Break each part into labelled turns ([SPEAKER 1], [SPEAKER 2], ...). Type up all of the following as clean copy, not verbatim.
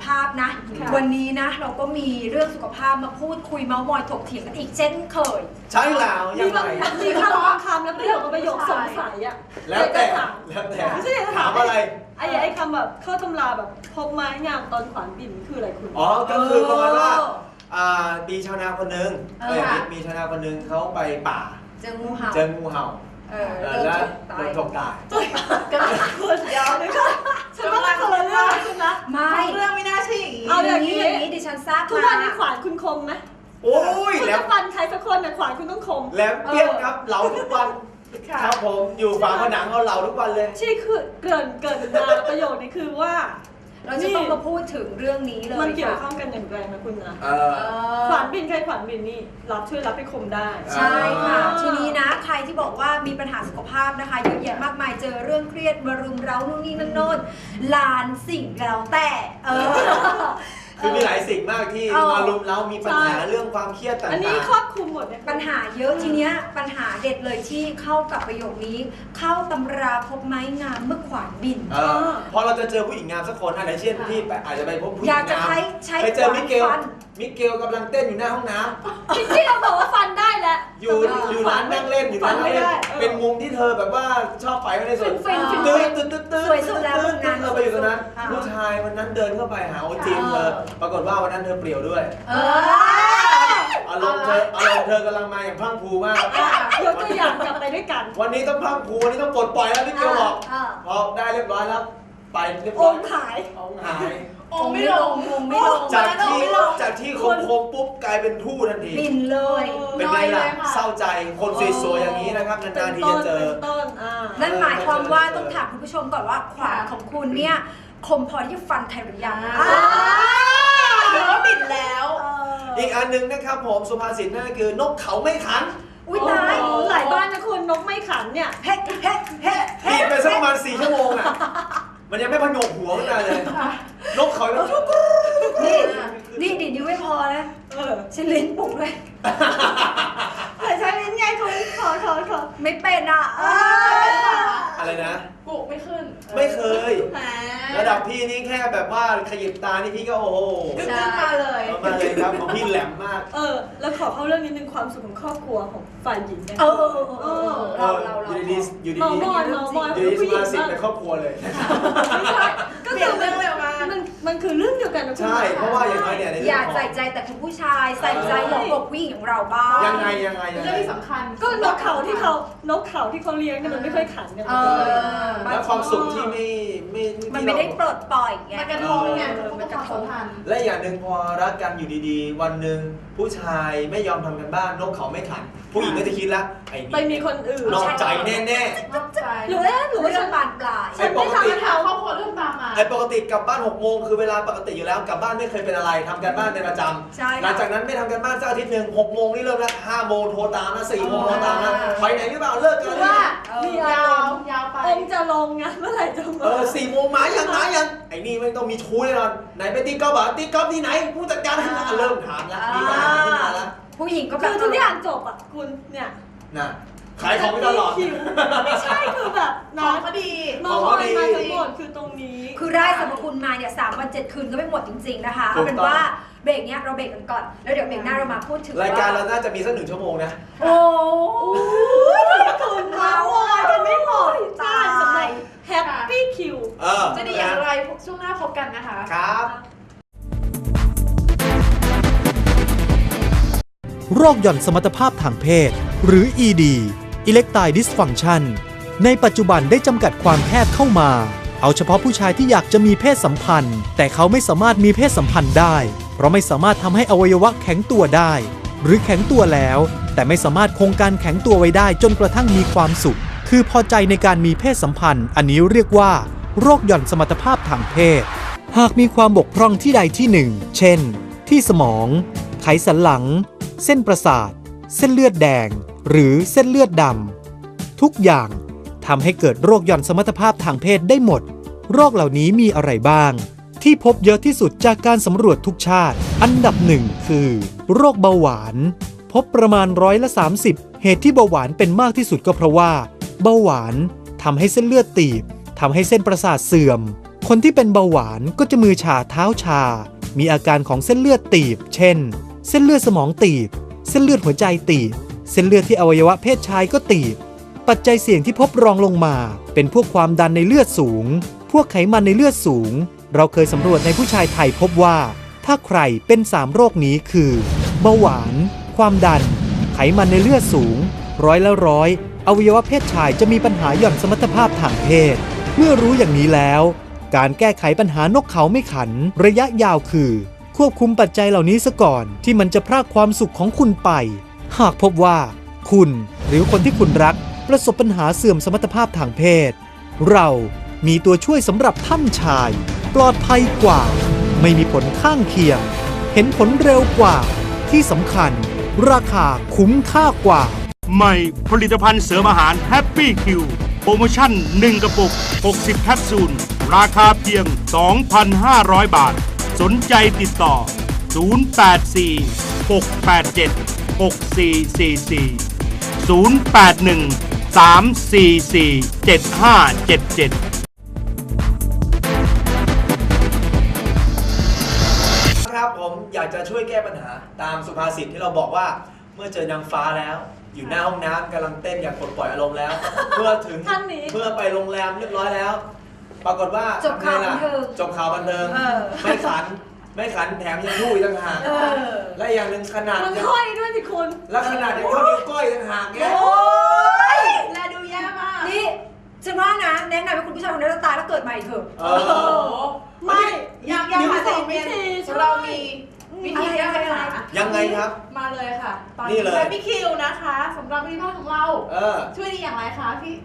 [SPEAKER 1] ภาพนะวันนี้นะเราก็มีเรื่องสุขภาพมาพูดคุยเมาส์มอยถกเถียงกันอีกเช่นเคย
[SPEAKER 2] ใช่แล้วยังไง
[SPEAKER 3] มีคำแล้วประโยคสงสัยอะ
[SPEAKER 2] แล้วแต่
[SPEAKER 3] ไม่ใช่
[SPEAKER 2] ถามอะไร
[SPEAKER 3] ไอ้คำแบบเข้าตำราแบบพบไม้งามตอนขวานบินคืออะไรคุณ
[SPEAKER 2] อ๋อก็คือประมาณว่ามีชาวนาคนนึงมีชาวนาคนนึงเขาไปป่า
[SPEAKER 1] เจองูเห่า
[SPEAKER 2] แล้วโดนฉกตาย
[SPEAKER 3] ก็คนยาวเลยค่ะฉันว่าคนละเรื่องคุณนะ
[SPEAKER 1] ไม่
[SPEAKER 4] เรื่องไม่น่าใช่อย่างนี้
[SPEAKER 3] เอาอย่างนี้
[SPEAKER 1] ดิฉันทราบ
[SPEAKER 3] ทุกวันนี้ขวานคุณคมไหม
[SPEAKER 2] โอ้ย
[SPEAKER 3] แล้วฟันใครสักคนนะขวานคุณต้องคม
[SPEAKER 2] แหลมเปี้ยงครับเหลาทุกวันครับผมอยู่ฝาผนังเอาเหลาทุกวันเลย
[SPEAKER 3] ที่คือเกินมาประโยคนี้คือว่า
[SPEAKER 1] เราจะต้องมาพูดถึงเรื่องนี้เลย
[SPEAKER 3] มันเกี่ยวข้องกันอย่างไรนะคุณนะขวานบินใครขวานบินนี่ช่วยรับไปคมได้
[SPEAKER 1] ใช่ค่ะทีนี้นะใครที่บอกว่ามีปัญหาสุขภาพนะคะเยอะแยะมากมายเจอเรื่องเครียดมารุมเร้านู่นนี่นั่นโน่นล้านสิ่งแล้วแต่
[SPEAKER 2] คือมีหลายสิ่งมากที่มารุมเร้ามีปัญหาเรื่องความเครียดต่างๆ
[SPEAKER 3] อันนี้ครอบคลุมหมด
[SPEAKER 1] ปัญหาเยอะทีเนี้ยปัญหาเด็ดเลยที่เข้ากับประโยคนี้เข้าตำราพบไม้งามเมื่อขวานบิน
[SPEAKER 2] พอเราจะเจอผู้หญิงงามสักคนอะไรเช่นที่อาจจะไปพบผู้หญิงงามไปเจอมิเกลกำลังเต้นอยู่หน้าห้องน้
[SPEAKER 3] ำที่เราบอกว่าฟันได้แล้ว
[SPEAKER 2] อยู่ร้านนั่งเล่นอยู่ร้านนั่งเล่นเป็นมุมที่เธอแบบว่าชอบไปไม่ได้สน
[SPEAKER 1] สวยสุดแล้วงาน
[SPEAKER 2] ไปอยู่ตรงนั้นผู้ชายวันนั้นเดินเข้าไปหาโอจีเธอปรากฏว่าวันนั้นเธอเปลี่ยวด้วยอารมณ์เธอกำลังมาอย่างพรั่งพรูมาก
[SPEAKER 3] ยกตัวอย่างกลับไปด้วยกัน
[SPEAKER 2] วันนี้ต้องพรั่งพรูวันนี้ต้องปลดปล่อยแล้วพี่เกียวบอกพอได้เรียบร้อยแล้วไปเรียบร้อย
[SPEAKER 3] องหาย
[SPEAKER 4] องไม่ลง
[SPEAKER 2] จากที่คมปุ๊บกลายเป็นทู่ทันที
[SPEAKER 1] บินเลย
[SPEAKER 2] เป็นไงล่ะเศร้าใจคนสวยๆอย่างนี้นะครับนานๆทีจะเจอ
[SPEAKER 1] นั่นหมายความว่าต้องถามคุณผู้ชมก่อนว่าขวานของคุณเนี่ยคมพอที่จะฟันใครหรือยัง
[SPEAKER 4] หรือว่าบินแล้ว
[SPEAKER 2] อีกอันนึงนะครับผมสุภาษิตนั่นก็คือนกเขาไม่ขัน
[SPEAKER 1] อุ้ยตาย
[SPEAKER 3] หลายบ้านนะคุณนกไม่ขันเนี่ย
[SPEAKER 1] เฮ้
[SPEAKER 2] บินไปสักประมาณ4 ชั่วโมงอ่ะมันยังไม่พงกหัวขึ้นมาเลยนกเขา
[SPEAKER 1] นี่ดินิ้วไม่พอนะใช้ลิ้นปุกเลย
[SPEAKER 3] ใช้ลิ้นไงคุณขอ
[SPEAKER 1] ไม่เป็นอ่ะ
[SPEAKER 2] อะไรนะ
[SPEAKER 4] ปุกไม่ขึ้น
[SPEAKER 2] ไม่เคยระดับพี่นี่แค่แบบว่าขยิบตานี่พี่ก็โอ้โห
[SPEAKER 4] ขึ้นมาเลย
[SPEAKER 2] ครับของพี่แหลมมาก
[SPEAKER 3] แล้วขอเข้าเรื่องนิดนึงความสุขของครอบครัวของฝ่ายหญิงเนี่ย
[SPEAKER 1] เรา
[SPEAKER 2] อยู่ดีสุภาษิตเป็นครอบครัวเลย
[SPEAKER 3] ก็คือเรื่องเร็วมากมันคือเรื่องเดียวกันนะ
[SPEAKER 2] ใช่เพราะว่าอย่างน้อยเนี่ย
[SPEAKER 1] อย่าใส่ใจแต่คุณผู้ชายใส่ใจหัวอกผู้หญิงอย่างเราบ้าง
[SPEAKER 2] ยังไง
[SPEAKER 4] เรื่องที่สำคัญ
[SPEAKER 3] ก็นกเขาที่เขาเลี้ยงเนี่ยมันไม่ค่อยขันกัน
[SPEAKER 2] แล้วความสุขที่
[SPEAKER 1] มันไม่ได้ปลดปล่อยไง
[SPEAKER 4] มันกระทบไงมันกระทบทัน
[SPEAKER 2] และอย่างหนึ่งพอรักกันอยู่ดีๆวันหนึ่งผู้ชายไม่ยอมทำกันบ้านนกเขาไม่ขันผู้หญิงก็จะคิดละไอ้นี่
[SPEAKER 3] ไปมีคนอื่น
[SPEAKER 2] นอกใจแน่
[SPEAKER 4] นอกใจ
[SPEAKER 3] หรือว่าฉัน
[SPEAKER 1] บานปลาย
[SPEAKER 4] ฉันไม่ทำปัญหาครอบครัวเรื่องตามมา
[SPEAKER 2] ไอ้ปกติกลับบ้าน6 โมงคือเวลาปกติอยู่แล้วกลับบ้านไม่เคยเป็นอะไรทำกันบ้านเป็นประจำหลังจากนั้นไม่ทำกันบ้านสักอาทิตย์นึง6 โมงนี่เริ่มละ5 โมงโทรตามนะ4 โมงโทรตามนะไปไหนหรือเปล่าเลิกกัน
[SPEAKER 4] ว่ามียาวไป
[SPEAKER 3] องจะลงไงเมื่อไหร่จะมา
[SPEAKER 2] 4 โมงมายังไอ้นี่ไม่ต้องมีชู้แน่นอนไหนไปตีกอล์ฟตีกอล์ฟที่ไหนผู้จัดการเริ่มถามแล้วมีปัญหาขึ้นมาแล้ว
[SPEAKER 1] ผู้หญิงก็
[SPEAKER 3] คือทุกอย่างจบอ่ะคุณเนี่ย
[SPEAKER 2] น่ะขายของไม่ตลอด
[SPEAKER 3] ไม่ใช่คือแบบ
[SPEAKER 4] น้องก็ดี
[SPEAKER 3] มาทั้งหมดคือตรงนี้
[SPEAKER 1] คือได้สรรพคุณมาเนี่ย3 วัน 7 คืนก็ไม่หมดจริงๆนะคะเอาเป็นว่าเบรกเนี้ยเราเบรกกันก่อนแล้วเดี๋ยวเบรกหน้าเรามาพูดถึง
[SPEAKER 2] รายการเราน่าจะมีสัก1 ชั่วโมงนะ
[SPEAKER 1] โอ้
[SPEAKER 3] คุณมาวอยกันไม่หมดตายสำหรับแฮปปี้คิว
[SPEAKER 4] จะดีอย่างไรช่วงหน้าพบกันนะคะ
[SPEAKER 2] ครับ
[SPEAKER 5] โรคหย่อนสมรรถภาพทางเพศหรือ ED Erectile Dysfunction ในปัจจุบันได้จำกัดความแคบเข้ามาเอาเฉพาะผู้ชายที่อยากจะมีเพศสัมพันธ์แต่เขาไม่สามารถมีเพศสัมพันธ์ได้เพราะไม่สามารถทำให้อวัยวะแข็งตัวได้หรือแข็งตัวแล้วแต่ไม่สามารถคงการแข็งตัวไว้ได้จนกระทั่งมีความสุขคือพอใจในการมีเพศสัมพันธ์อันนี้เรียกว่าโรคหย่อนสมรรถภาพทางเพศหากมีความบกพร่องที่ใดที่หนึ่งเช่นที่สมองไขสันหลังเส้นประสาทเส้นเลือดแดงหรือเส้นเลือดดำทุกอย่างทำให้เกิดโรคหย่อนสมรรถภาพทางเพศได้หมดโรคเหล่านี้มีอะไรบ้างที่พบเยอะที่สุดจากการสำรวจทุกชาติอันดับ1คือโรคเบาหวานพบประมาณ30%เหตุที่เบาหวานเป็นมากที่สุดก็เพราะว่าเบาหวานทำให้เส้นเลือดตีบทำให้เส้นประสาทเสื่อมคนที่เป็นเบาหวานก็จะมือชาเท้าชา มีอาการของเส้นเลือดตีบ เช่น เส้นเลือดสมองตีบ เส้นเลือดหัวใจตีบ เส้นเลือดที่อวัยวะเพศชายก็ตีบ ปัจจัยเสี่ยงที่พบรองลงมาเป็นพวกความดันในเลือดสูง พวกไขมันในเลือดสูง เราเคยสำรวจในผู้ชายไทยพบว่า ถ้าใครเป็น3โรคนี้คือเบาหวาน ความดัน ไขมันในเลือดสูง100%อวัยวะเพศชายจะมีปัญหาหย่อนสมรรถภาพทางเพศ เมื่อรู้อย่างนี้แล้ว การแก้ไขปัญหานกเขาไม่ขันระยะยาวคือ ควบคุมปัจจัยเหล่านี้ซะก่อนที่มันจะพรากความสุขของคุณไป หากพบว่า คุณหรือคนที่คุณรักประสบปัญหาเสื่อมสมรรถภาพทางเพศ เรามีตัวช่วยสำหรับท่านชาย ปลอดภัยกว่า ไม่มีผลข้างเคียง เห็นผลเร็วกว่า ที่สำคัญ ราคาคุ้มค่ากว่า
[SPEAKER 6] ใหม่ผลิตภัณฑ์เสริมอาหาร Happy Q โปรโมชั่น 1 กระปุก 60 แคปซูล ราคาเพียง 2,500 บาท สนใจติดต่อ 084-687-6444 081-344-7577
[SPEAKER 2] ครับผมอยากจะช่วยแก้ปัญหาตามสุภาษิตที่เราบอกว่าเมื่อเจอนางฟ้าแล้ว อยู่หน้าห้องน้ำกำลังเต้นอย่างปลดปล่อยอารมณ์แล้ว เมื่อถึง
[SPEAKER 3] ท่านนี้
[SPEAKER 2] เมื่อไปโรงแรมเรียบร้อยแล้ว ปรากฏว่า
[SPEAKER 1] จบข่าวบันเทิง
[SPEAKER 2] จบข่าวบันเทิง
[SPEAKER 1] เออ
[SPEAKER 2] ไม่ขันแถมยังยุ่ยต่างหากและอย่างหนึ่งขนาด
[SPEAKER 3] มัน
[SPEAKER 2] ยัง
[SPEAKER 3] ค่อยด้วยสิคุณ
[SPEAKER 2] และขนาดยังเท่านิ้วก้อยต่างหากเนี่ย
[SPEAKER 1] โอ้ย
[SPEAKER 4] แลดูแย่มาก
[SPEAKER 1] นี่ฉันว่านะแนะนำให้คุณผู้ชายคนนั้นตายแล้วเกิดใหม่เถอะ
[SPEAKER 2] เอ
[SPEAKER 4] โอ้โห
[SPEAKER 2] อ
[SPEAKER 3] ไม่
[SPEAKER 4] ยังหา
[SPEAKER 3] ส
[SPEAKER 4] สิ่
[SPEAKER 3] อง ง
[SPEAKER 4] วิ
[SPEAKER 3] วิธี
[SPEAKER 4] ธีเรามีวิธีแก้ปัญหา
[SPEAKER 2] ยังไงครับ
[SPEAKER 4] มาเลยค่ะ ตอน
[SPEAKER 2] นี่
[SPEAKER 4] นี้
[SPEAKER 2] เลย
[SPEAKER 4] แฮปปี้คิวนะคะสำหรับวิธีการของเรา
[SPEAKER 2] เออ
[SPEAKER 4] ช่วยดีอย่างไรคะพี่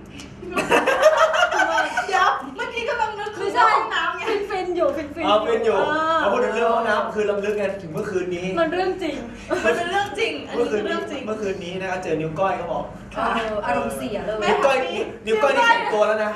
[SPEAKER 4] เดี๋ยวเมื่อกี้กำลังนึกคือห้องน้ำไง
[SPEAKER 3] ฟินอยู่ฟิน
[SPEAKER 2] เอาเป็นอยู่
[SPEAKER 3] เ
[SPEAKER 2] มาพูดถึงเรื่องห้องน้ำคือลำลึกกันถึงเมื่อคืนนี้
[SPEAKER 3] มันเรื่องจริง
[SPEAKER 4] มันเป็นเรื่องจริง อัน
[SPEAKER 2] เมื่
[SPEAKER 4] นี้
[SPEAKER 2] อคื
[SPEAKER 4] คื
[SPEAKER 2] น
[SPEAKER 4] อ
[SPEAKER 2] นี้
[SPEAKER 4] เรื่องจริง
[SPEAKER 2] เมื่อคืนนี้นะครับเจอนิ้วก้อยเขาบอก
[SPEAKER 1] อารมณ์เสียเลย
[SPEAKER 2] นิ้วก้อยนี่แข็งตัวแล้วนะ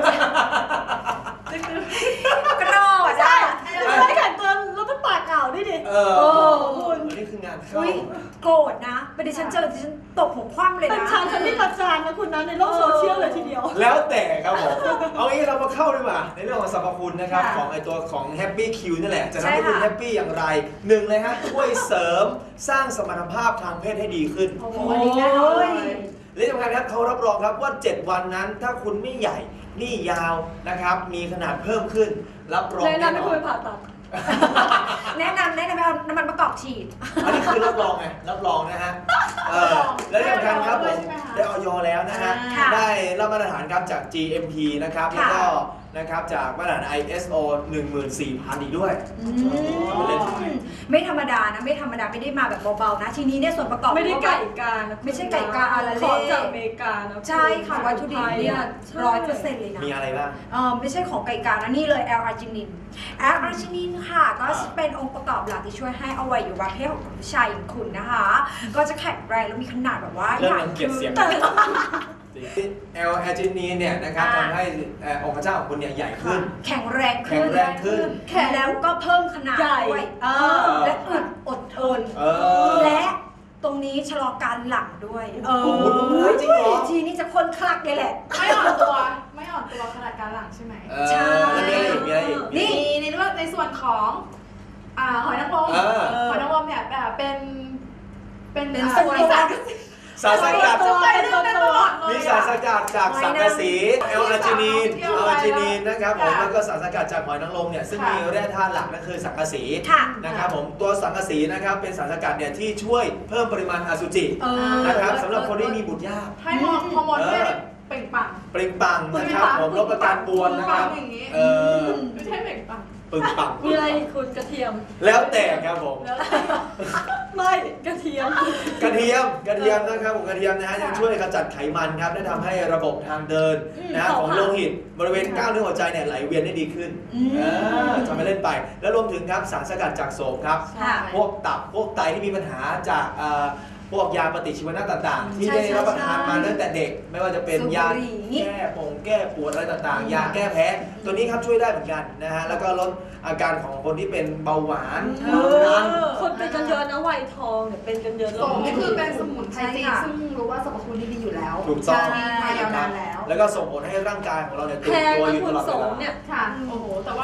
[SPEAKER 1] กระโดดอ่ะ
[SPEAKER 3] ไม่แข่งตัวแล้วก็ปากอ่าวด้วยดิ
[SPEAKER 2] เอ
[SPEAKER 3] โอ้
[SPEAKER 2] อ
[SPEAKER 3] คุณ
[SPEAKER 2] นี่คืองานเข้า
[SPEAKER 1] อุ้ยโกรธนะเป็นดิฉันเจอดิฉันตบหัวคว่ำเลย
[SPEAKER 3] เป็น
[SPEAKER 1] นะ
[SPEAKER 3] ฉันนี่ประจานนะคุณนะในโลกโซเชียลเลยทีเดียว
[SPEAKER 2] แล้วแต่ครับผม เอางี้เรามาเข้าดีกว่าในเรื่องของสรรพคุณนะครับ
[SPEAKER 1] ค่ะ
[SPEAKER 2] ของไอตัวของ Happy Q นี่แหละ จะทำให้
[SPEAKER 1] ใช่
[SPEAKER 2] คุณ
[SPEAKER 1] ค่ะ
[SPEAKER 2] แฮปปี้อย่างไรหนึ่งเลยฮะช่วยเสริมสร้างสมรรถภาพทางเพศให้ดีขึ้น
[SPEAKER 4] โอ้โหอันนี้แน่นอนเลย
[SPEAKER 2] และที่สำคัญครับเขารับรองครับว่า 7 วันนั้นถ้าคุณไม่ใหญ่นี่ยาวนะครับ มีขนาดเพิ่มขึ้น รับรอง
[SPEAKER 3] แนะ
[SPEAKER 2] แน่
[SPEAKER 3] นำให้
[SPEAKER 2] นอ
[SPEAKER 3] คุณ
[SPEAKER 2] น
[SPEAKER 3] ไปผ่าตัด
[SPEAKER 1] แนะนำให้เอาน้ำมันมะกอกฉีด
[SPEAKER 2] อันนี้คือรับรองไงรับรองนะฮะและที่สำคัญครับผมได้ออยแล้วนะฮะ
[SPEAKER 1] ค่ะ
[SPEAKER 2] ได้รับมาตรฐานครับจาก GMP นะครับแล้วก็นะครับจากมาตรฐาน ISO 14000 อีกด้วย
[SPEAKER 1] ไม่ธรรมดานะไม่ธรรมดาไม่ได้มาแบบเบาๆนะ ทีนี้เนี่ยส่วนประกอบ
[SPEAKER 3] ไม่ได้ไก่กานะ
[SPEAKER 1] ไม่ใช่ไก่กาอาราเล่
[SPEAKER 3] ของจากอเมริกานะ
[SPEAKER 1] ใช่ค่ะวัตถุดิบเนี่ย100%เลยนะ
[SPEAKER 2] มีอะไรบ้าง
[SPEAKER 1] ไม่ใช่ของไก่กานะนี่เลยแอลอาร์จินินแอลอาร์จินินค่ะก็เป็นองค์ประกอบหลักที่ช่วยให้อวัยวะเพศของผู้ชายอย่างคุณนะคะ ก็จะแข็งแรงและมีขนาดแบบว่า
[SPEAKER 2] เริ่มรังเกียจเสียง แอลแอจินีนเนี่ยนะครับทำให้องค์พระเจ้าของคุณเนี่ยใหญ่ขึ้น
[SPEAKER 1] แข็งแรงขึ้น
[SPEAKER 2] แข็งแรงขึ้น
[SPEAKER 1] แล้วก็เพิ่มขนาดด้วยและอึดอดทน และตรงนี้ชะลอการหลังด้วยจริงเหรอทีนี้จะคนคลักเลยแหละ
[SPEAKER 4] ไม่อ่อนตัวขนาดการหลังใช่ไหม
[SPEAKER 1] ใช่
[SPEAKER 2] แล้วมีอะไรอีกมีอะไรอีก
[SPEAKER 4] นี่ในเรื่องในส่วนของหอยนางรมหอยนางรมเนี่ยเป็น
[SPEAKER 1] ส่วน
[SPEAKER 2] สารสกัด
[SPEAKER 4] เป็นตลอดเลย
[SPEAKER 2] มีสารสกัดจากสังกะสีแอลอาร์จินีนนะครับผมแล้วก็สารสกัดจากหอยนางรมเนี่ยซึ่งมีแร่ธาตุหลักนั่นคือสังกะสี
[SPEAKER 1] ค่ะ
[SPEAKER 2] นะครับผมตัวสังกะสีนะครับเป็นสารสกัดเนี่ยที่ช่วยเพิ่มปริมาณอสุจินะครับสำหรับคนที่มีบุตรยาก
[SPEAKER 4] ให้ฮอร์โมนด้วยเปล่งปลั่ง
[SPEAKER 2] ปริงปังนะครับผมลดอาการปวดนะครับ
[SPEAKER 4] อย่างนี้ ไม่ใช่เปล่งปลั่ง
[SPEAKER 2] ปึงปัง
[SPEAKER 3] มีอะไรอีกคุณกระเทียม
[SPEAKER 2] แล้วแต่ครับผม
[SPEAKER 4] แล้ว
[SPEAKER 3] ไม่กระเทียม
[SPEAKER 2] กระเทียมนะครับผมกระเทียมนะฮะยังช่วยขจัดไขมันครับและทำให้ระบบทางเดินนะฮะของโลหิตบริเวณกล้ามเนื้อหัวใจเนี่ยไหลเวียนได้ดีขึ้นทำให้เล่นไปแล้วรวมถึงครับสารสกัดจากโสมครับ
[SPEAKER 1] ค่ะ
[SPEAKER 2] พวกตับพวกไตที่มีปัญหาจากพวกยาปฏิชีวนะต่างๆ ที่ได้รับประทานมาตั้งแต่เด็ก ไม่ว่าจะเป็นยาแก้ปวดอะไรต่างๆ ยาแก้แพ้ตัวนี้ครับช่วยได้เหมือนกันนะฮะแล้วก็ลดอาการของคนที่เป็นเบาหวานความดัน
[SPEAKER 3] คนเป็นกันเยอะนะวัยทองเนี่ยเป็นกันเยอะ
[SPEAKER 4] โสมนี่คือเป็นสมุนไพรจีนซึ่งรู้ว่าสรรพคุณดีอยู่แล้ว
[SPEAKER 2] ถูกต้อง
[SPEAKER 4] มีมายาวนานแล้ว
[SPEAKER 2] แล้วก็ส่งผลให้ร่างกายของเราเนี่ยตื่
[SPEAKER 3] แพ
[SPEAKER 2] น
[SPEAKER 3] ง
[SPEAKER 2] ตัว
[SPEAKER 3] นะ
[SPEAKER 2] อยู่
[SPEAKER 3] คุ
[SPEAKER 2] ต
[SPEAKER 3] ณ
[SPEAKER 2] ลอด
[SPEAKER 3] โส
[SPEAKER 2] เว
[SPEAKER 3] ม
[SPEAKER 2] ลา
[SPEAKER 3] เนี่ย
[SPEAKER 4] ค่ะโอ้โหแต่ว่า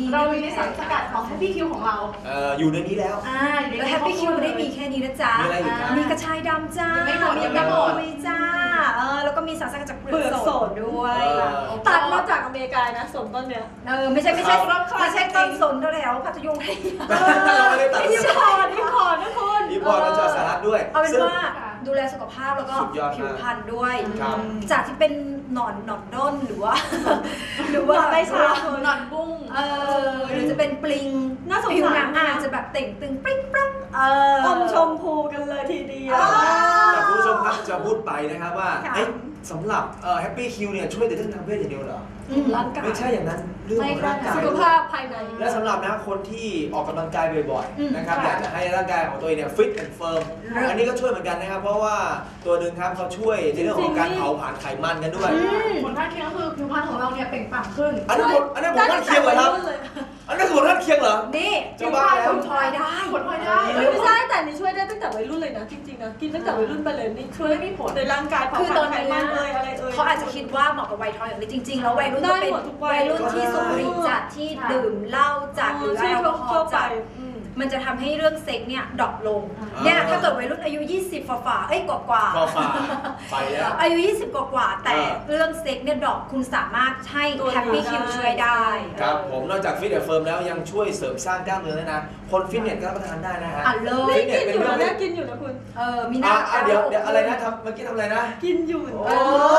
[SPEAKER 1] ดี
[SPEAKER 4] เรามีในสารสกัดของ Happy Q ของเรา
[SPEAKER 2] อยู่ในนี้แล้ว
[SPEAKER 4] อยู่ใน
[SPEAKER 1] แล้ว Happy Q ไม่ได้มีแค่นี้นะจ๊ะ
[SPEAKER 2] มีอะไรอีกครับ
[SPEAKER 1] มีกระชายดำจ้า
[SPEAKER 4] ยังไม่หมด
[SPEAKER 1] มี
[SPEAKER 4] ยังไม่
[SPEAKER 1] กระ
[SPEAKER 4] หมด
[SPEAKER 1] ปุยจ้าแล้วก็มีสารสกัดจากเปลื
[SPEAKER 3] เปลื
[SPEAKER 1] อ
[SPEAKER 3] อก ก
[SPEAKER 1] ส
[SPEAKER 3] ส
[SPEAKER 1] ด
[SPEAKER 3] ด
[SPEAKER 1] ด้วย
[SPEAKER 3] ตัดมาจากอเมริกานะสนต้นเนี้ย
[SPEAKER 1] ไม่ใช่ไม่ใช่ต้นสนแถวพัทยงไทย
[SPEAKER 2] เราไม่ได้ตัด
[SPEAKER 3] อิมพอร์ตนะคุณ
[SPEAKER 2] อีพอร์ตมาจากสหรัฐด้วย
[SPEAKER 1] เอาเป็น
[SPEAKER 2] ซึ่ง
[SPEAKER 1] ว่าดูแลสุขภาพแล้วก็
[SPEAKER 2] สุดยอดมาก
[SPEAKER 1] ผิวพรรณด้วย
[SPEAKER 2] ครับ
[SPEAKER 1] จากที่เป็นหนอนด้นหรือว่า
[SPEAKER 3] หรือว่าใบชา
[SPEAKER 4] หนอนบุ้ง
[SPEAKER 1] หรือจะเป็นปลิง
[SPEAKER 3] น่าสงสาร
[SPEAKER 1] ผิวหนังอาจจะแบบเต่งตึงปริ้งปรัง
[SPEAKER 3] อมชมพูกันเลยทีเดียว
[SPEAKER 2] แต่คุณผู้ชมครับจะพูดไปนะครับว่า
[SPEAKER 1] ค่ะ
[SPEAKER 2] สำหรับHappy Q เนี่ยช่วยแต่เรื่องทางเพศอย่างเดียวเหรอ
[SPEAKER 3] ร่างกาย
[SPEAKER 2] ไม่ใช่อย่างนั้นเรื่องของร่างกาย
[SPEAKER 3] สุขภาพภายใน
[SPEAKER 2] และสำหรับนะคนที่ออกกำลังกายบ่อย
[SPEAKER 1] อืม
[SPEAKER 2] ๆนะครับ
[SPEAKER 1] ค่ะ
[SPEAKER 2] อยากจะให้ร่างกายของตัวเองเนี่ยฟิตแอนด์เฟิร์ม
[SPEAKER 1] เลิศ
[SPEAKER 2] อันนี้ก็ช่วยเหมือนกันนะครับ เพราะว่าตัวหนึ่งครับเขาช่วยในเรื่องของการเผาผลาญไขมันกันด้วย
[SPEAKER 4] ผลข้างเคียงก็คือผิวพรรณของเราเนี่ยเปล่งปลั่งขึ้น
[SPEAKER 2] อันนี้ผมท่านเคียงเหรอครับอันนี้คือผมท่านเคียงเหรอ
[SPEAKER 1] นี่
[SPEAKER 2] จะบ้าแล้ว
[SPEAKER 1] ผลพลอยได้
[SPEAKER 4] ผลพลอยได้
[SPEAKER 3] ไม่ใช่แต่นี่ช่วยได้ตั้งแต่วัยรุ่นเลยนะจริงๆนะกินตั้งแต่วัยรุ่นไปเลยนี่ช่วยมีผลในร่างกายเผา
[SPEAKER 1] คือ
[SPEAKER 3] ผ
[SPEAKER 1] ต
[SPEAKER 3] ลา
[SPEAKER 1] อน
[SPEAKER 3] ญไข
[SPEAKER 1] นี้
[SPEAKER 3] มันเลยอะไรเอ่ย
[SPEAKER 1] เขาอาจจะคิดว่าเหมาะกับวัยทองอย่างนี้จริง ๆ แล้ววัยรุ่น
[SPEAKER 3] ได้
[SPEAKER 1] ก็เป็น
[SPEAKER 3] หมดทุกวัย
[SPEAKER 1] วัยรุ่นที่สูบบุหรี่จัดที่ดื่มเหล้าจัดหรือแอลกอฮอล์จัดมันจะทำให้เรื่องเซ็กเนี่ยดรอปลงเนี่ยถ้าเกิดวัยรุ่นอายุ 20ฝ่าๆกว่า
[SPEAKER 2] ก็ฝ่าไปแล้ว
[SPEAKER 1] อายุ 20 กว่าๆแต่เรื่องเซ็กเนี่ยดรอปคุณสามารถให้
[SPEAKER 3] ตัว
[SPEAKER 1] แฮปปี้
[SPEAKER 3] ได้
[SPEAKER 1] คิวช่วยได้
[SPEAKER 2] ครับผมนอกจากฟิตแอนด์เฟิร์มแล้วยังช่วยเสริมสร้างกล้ามเนื้อด้วยนะ คนฟิตเนสก็รับประทานได้นะฮะ
[SPEAKER 1] อ่ะเลย
[SPEAKER 2] ฟิตเน
[SPEAKER 3] กิ
[SPEAKER 2] ส
[SPEAKER 3] น
[SPEAKER 2] เป็น
[SPEAKER 3] อยู่
[SPEAKER 2] เรื่อ
[SPEAKER 3] นะ
[SPEAKER 2] ง
[SPEAKER 3] เนี่ยกินอยู่นะคุณ
[SPEAKER 1] มีหน้า
[SPEAKER 2] เดี๋ยวอะไรนะเมื่อกี้ทำอะไรนะ
[SPEAKER 3] กินอยู่
[SPEAKER 2] โอ้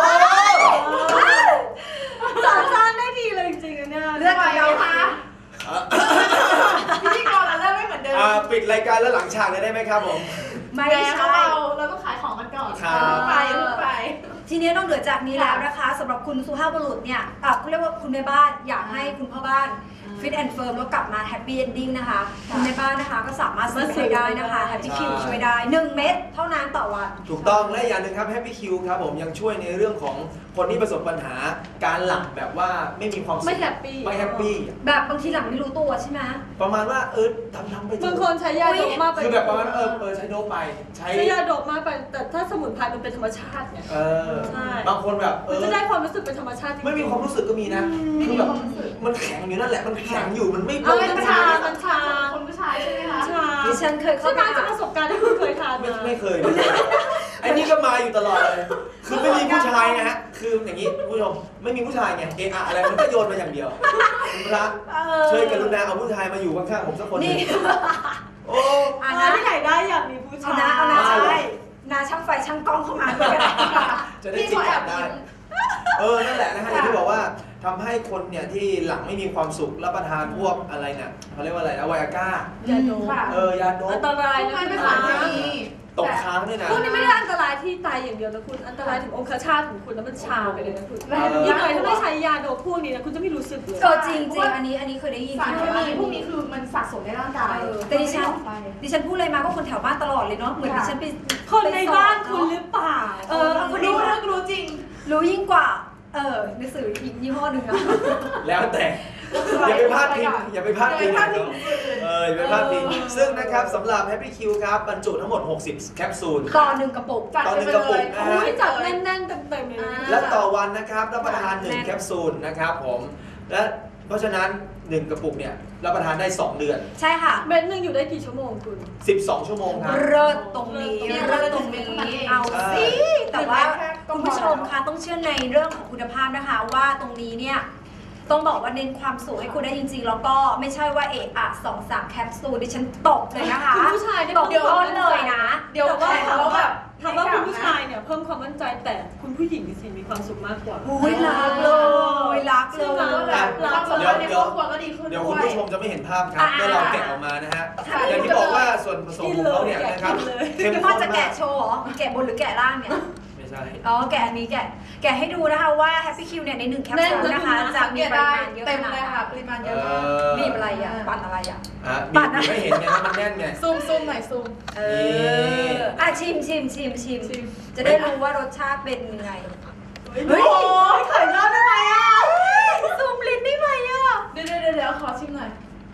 [SPEAKER 3] สารสร้างได้ดีเลยจริงๆนะเนี่ย
[SPEAKER 1] เลือกกับเราค่ะ
[SPEAKER 4] พิธีกรเราเริ่มไม่เหมือนเดิม
[SPEAKER 2] ปิดรายการแล้วหลังฉากเลยได้ไหมครับผม
[SPEAKER 1] ไม่
[SPEAKER 4] แล้ว
[SPEAKER 1] ใช่
[SPEAKER 4] เราต้องขายของกันก่อน
[SPEAKER 2] ครับ
[SPEAKER 4] ไป
[SPEAKER 1] ทีนี้นอกเหนือจากนี้แล้วนะคะสำหรับคุณสุภาพบุรุษเนี่ยเขาเรียกว่าคุณแม่บ้านอยากให้คุณพ่อบ้านฟิตแอนด์เฟิร์มแล้วกลับมาแฮปปี้เอนดิ้งนะคะคุณแม่บ้านนะคะก็สามารถซื้อไปได้นะคะแฮปปี้คิวช่วยได้ 1 เม็ดเท่านั้นต่อวัน
[SPEAKER 2] ถูกต้องและอย่างหนึ่งครับ Happy Q ครับผมยังช่วยในเรื่องของคนที่ประสบปัญหาการหลับแบบว่าไม่มีความสุข
[SPEAKER 3] ไม่แฮปปี้
[SPEAKER 2] ไม่แฮปปี้
[SPEAKER 1] แบบบางทีหลังไม่รู้ตัวใช่ไหม
[SPEAKER 2] ประมาณว่าทำไปเถ
[SPEAKER 3] บาง
[SPEAKER 2] อะ
[SPEAKER 3] คนใช้ยาโดปมากไป
[SPEAKER 2] คือแบบประมาณว่าใช้โดปไปใช้
[SPEAKER 3] ใช้ยาโดปมากไปแต่ถ้าสมุนไพรมันเป็นธรรมชาติไง ใช่
[SPEAKER 2] บางคนแบบ
[SPEAKER 3] มันจะได้ความรู้สึกเป็นธรรมชาติจริงๆ
[SPEAKER 2] ไม่มีความรู้สึกก็มีนะคือแบบมันแข็งอยู่นั่นแหละมันแข็งอยู่มันไม่
[SPEAKER 3] เอาเป็นชา
[SPEAKER 4] มันชาคนผู้ชายใช่ไหมคะ
[SPEAKER 3] ชา
[SPEAKER 1] ดิฉันเคยเข้า
[SPEAKER 3] ใช่ไหม
[SPEAKER 1] ไป
[SPEAKER 3] จากประสบการณ์ที่คุณเคยทานมา
[SPEAKER 2] ไม่เคยไอ้นี่ก็มาอยู่ตลอดเลยคือไม่มีผู้ชายนะฮะคืออย่างนี้ผู้ชมไม่มีผู้ชายไงอะไรมันก็โยนมาอย่างเดียวคุณพระช่วยกรุณาเอาผู้ชายมาอยู่ข้างๆผมสักคนหนึ
[SPEAKER 1] นี่
[SPEAKER 2] งโอ้
[SPEAKER 1] อ่ะ
[SPEAKER 3] นะ
[SPEAKER 1] นะ
[SPEAKER 3] ที่ไหนได้อยากมีผู้ชาย
[SPEAKER 1] เอานะใช่นาช่างไฟช่างกล้องเข้ามาด้วยกัน
[SPEAKER 2] จะได้จิตจับได้นั่นแหละนะฮะอย่างที่บอกว่าทำให้คนเนี่ยที่หลังไม่มีความสุขรับประทานพวกอะไรเนี่ยเขาเรียกว่าอะไรนะไวอาก้าย
[SPEAKER 3] าโดป
[SPEAKER 2] ยาโด
[SPEAKER 3] อั
[SPEAKER 2] ป
[SPEAKER 3] นตราย
[SPEAKER 4] ทุก
[SPEAKER 3] นะ
[SPEAKER 4] งาน
[SPEAKER 3] คุ
[SPEAKER 4] เป็น
[SPEAKER 3] ณ
[SPEAKER 4] สารเคมี
[SPEAKER 2] ตกค้างด้วยนะ
[SPEAKER 3] พวกนี้ไม่ได้อันตรายที่ตายอย่างเดียวนะคุณอันตรายถึงองคชาตของคุณแล้วมันชาไปเลยนะคุณอีกหน่อยถ้าไม่ใช้ยาโดปพวกนี้นะคุณจะไม่รู้สึกเลย
[SPEAKER 1] จริงอันนี้เคยได้ยิน
[SPEAKER 4] สารเคมีพวกนี้คือมันสะสมในร่างกาย
[SPEAKER 1] แต่ดิฉันพูดอะไรมาก็คนแถวบ้านตลอดเลยเนาะเหมือนดิฉันไป
[SPEAKER 3] คนในบ้านคุณหรือเปล่า
[SPEAKER 1] คนนี้
[SPEAKER 4] รู้จริง
[SPEAKER 1] รู้ยิ่งกว่าหนังสืออีกยี่ห้อหนึ่งอะ
[SPEAKER 2] แล้วแต่อย่าไปพลาดพิงอย่าไปพลาดพิงนะอย่าไปพลาดพิงซึ่งนะครับสำหรับ Happy Q ครับบรรจุทั้งหมด60แคปซูล
[SPEAKER 1] ต่อ1 กระปุก
[SPEAKER 4] จัด
[SPEAKER 2] ต่อ
[SPEAKER 4] ไป
[SPEAKER 2] 1
[SPEAKER 4] เล
[SPEAKER 2] กระปุ
[SPEAKER 4] ย
[SPEAKER 2] กนะ
[SPEAKER 3] อุ้
[SPEAKER 2] ฮะ
[SPEAKER 3] ยจัดแน่นๆเต็มๆเลยนะ
[SPEAKER 2] และต่อวันนะครับรับประทาน1แคปซูลนะครับผมและเพราะฉะนั้น1กระปุกเนี่ยรับประทานได้2เดือน
[SPEAKER 1] ใช่ค่ะ
[SPEAKER 3] เม็ดหนึงอยู่ได้กี่ชั่วโมงคุณ
[SPEAKER 2] 12 ชั่วโมงครับ
[SPEAKER 1] เลิศตรงนี้เอาสิแต่ว่าคุณผู้ชมคะต้องเชื่อในเรื่องของคุณภาพนะคะว่าตรงนี้เนี่ยต้องบอกว่าเน้นความสุขให้คุณได้จริงๆแล้วก็ไม่ใช่ว่า2-3แคปซูลดิฉันตกเลยนะคะ
[SPEAKER 3] คุณผู้ชายเนี่ย
[SPEAKER 1] ตกต้นเลยนะ
[SPEAKER 4] เดี๋ยว
[SPEAKER 3] แต่ว่า
[SPEAKER 4] แข่งแล้วแบบ
[SPEAKER 3] ถามว่าคุณผู้ชายเนี่ยเพิ่มความมั่นใจแต่คุณผู้หญิงสิมีความสุขมากกว่า
[SPEAKER 1] อุ้ยรักเลยรักเล
[SPEAKER 3] ใช่ไหม
[SPEAKER 1] ย
[SPEAKER 4] แบบความสัมพันธ์ในครอบครัวก็ดีขึ้น
[SPEAKER 2] เดี๋ยว
[SPEAKER 4] ด้
[SPEAKER 2] คุณ
[SPEAKER 4] วย
[SPEAKER 2] ผู้ชมจะไม่เห็นภาพครับเมื่อเราแกะออกมานะฮะอย่างที่บอกว่าส่วนผสมของเขาเนี่ยนะครับเข้ม
[SPEAKER 1] พี่
[SPEAKER 2] ข้
[SPEAKER 1] พ่อน จะ
[SPEAKER 2] มา
[SPEAKER 1] แกะ
[SPEAKER 2] ก
[SPEAKER 1] โชว์เหรอแกะบนหรือแกะล่างเนี่ย
[SPEAKER 2] ไม่ใช่
[SPEAKER 1] อ๋อแกะอันนี้แกะให้ดูนะคะว่า Happy Q เนี่ยใน1แคปซูลนะคะจะมีปริมาณเยอะ
[SPEAKER 4] เต็
[SPEAKER 1] ข
[SPEAKER 4] ม
[SPEAKER 1] นาด
[SPEAKER 4] เลย
[SPEAKER 1] ไหน
[SPEAKER 4] ค่ะปริมาณเยอะมาก
[SPEAKER 1] บีบอะไรอ่ะปั่นอะไรอ่ะ
[SPEAKER 2] บีบไม่เห็นไงมันแน่นไง
[SPEAKER 4] ซูมหน่อยซูม
[SPEAKER 1] ชิมจะได้รู้ว่ารสชาติเป็นยังไง
[SPEAKER 3] เฮ้ยไข่ยอดได้ไหมอ่ะ
[SPEAKER 1] ซูมลิ้นได้ไหมอ่ะ
[SPEAKER 4] เดี๋ยวขอชิมหน่อย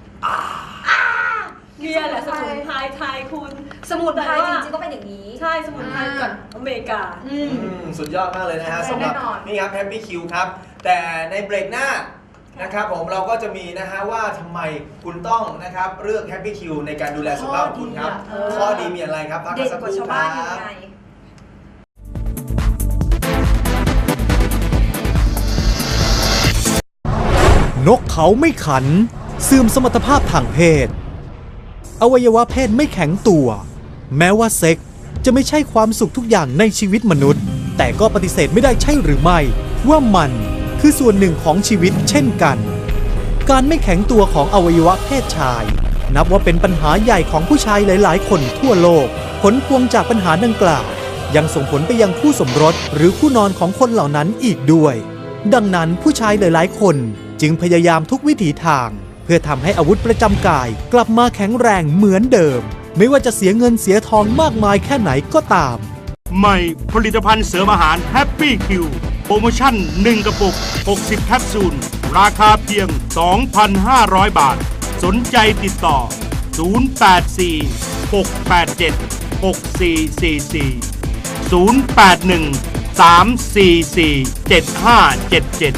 [SPEAKER 3] เนี่ยแหละสมุนไพรไทยคุณ
[SPEAKER 1] สมุนไพรจริงๆก็เป็นอย่างนี้
[SPEAKER 3] ใช่สมุนไพรจากอเมริกา
[SPEAKER 2] สุดยอดมากเลยนะฮะ
[SPEAKER 4] ใช่
[SPEAKER 2] สำหรับ
[SPEAKER 4] แน่นอน
[SPEAKER 2] นี่ครับ Happy Q ครับ แต่ในเบรกหน้านะครับผมเราก็จะมีนะฮะว่าทำไมคุณต้องนะครับเลือก Happy Q ในการดูแลสุขภาพของคุณครับข้อดีมีอะไรครับพักกั
[SPEAKER 1] เด็
[SPEAKER 2] น
[SPEAKER 1] ด
[SPEAKER 2] สัก
[SPEAKER 1] ก
[SPEAKER 2] ค
[SPEAKER 1] ว่า
[SPEAKER 2] รู่
[SPEAKER 1] ชาว
[SPEAKER 2] ค
[SPEAKER 1] บ้า
[SPEAKER 2] รั
[SPEAKER 1] นยัง
[SPEAKER 2] บ
[SPEAKER 1] ไง
[SPEAKER 5] นกเขาไม่ขันเสื่อมสมรรถภาพทางเพศ อวัยวะเพศไม่แข็งตัว แม้ว่าเซ็กส์จะไม่ใช่ความสุขทุกอย่างในชีวิตมนุษย์ แต่ก็ปฏิเสธไม่ได้ใช่หรือไม่ ว่ามันคือส่วนหนึ่งของชีวิตเช่นกัน การไม่แข็งตัวของอวัยวะเพศชาย นับว่าเป็นปัญหาใหญ่ของผู้ชายหลาย ๆ คนทั่วโลก ผลพวงจากปัญหาดังกล่าว ยังส่งผลไปยังคู่สมรสหรือคู่นอนของคนเหล่านั้นอีกด้วย ดังนั้นผู้ชายหลาย ๆ คนจึงพยายามทุกวิถีทาง เพื่อทำให้อาวุธประจำกายกลับมาแข็งแรงเหมือนเดิม ไม่ว่าจะเสียเงินเสียทองมากมายแค่ไหนก็ตาม
[SPEAKER 6] ใหม่ผลิตภัณฑ์เสริมอาหาร Happy Q โปรโมชั่น 1 กระปุก 60 แคปซูล ราคาเพียง 2,500 บาท สนใจติดต่อ 081 687 6444 081 344 7577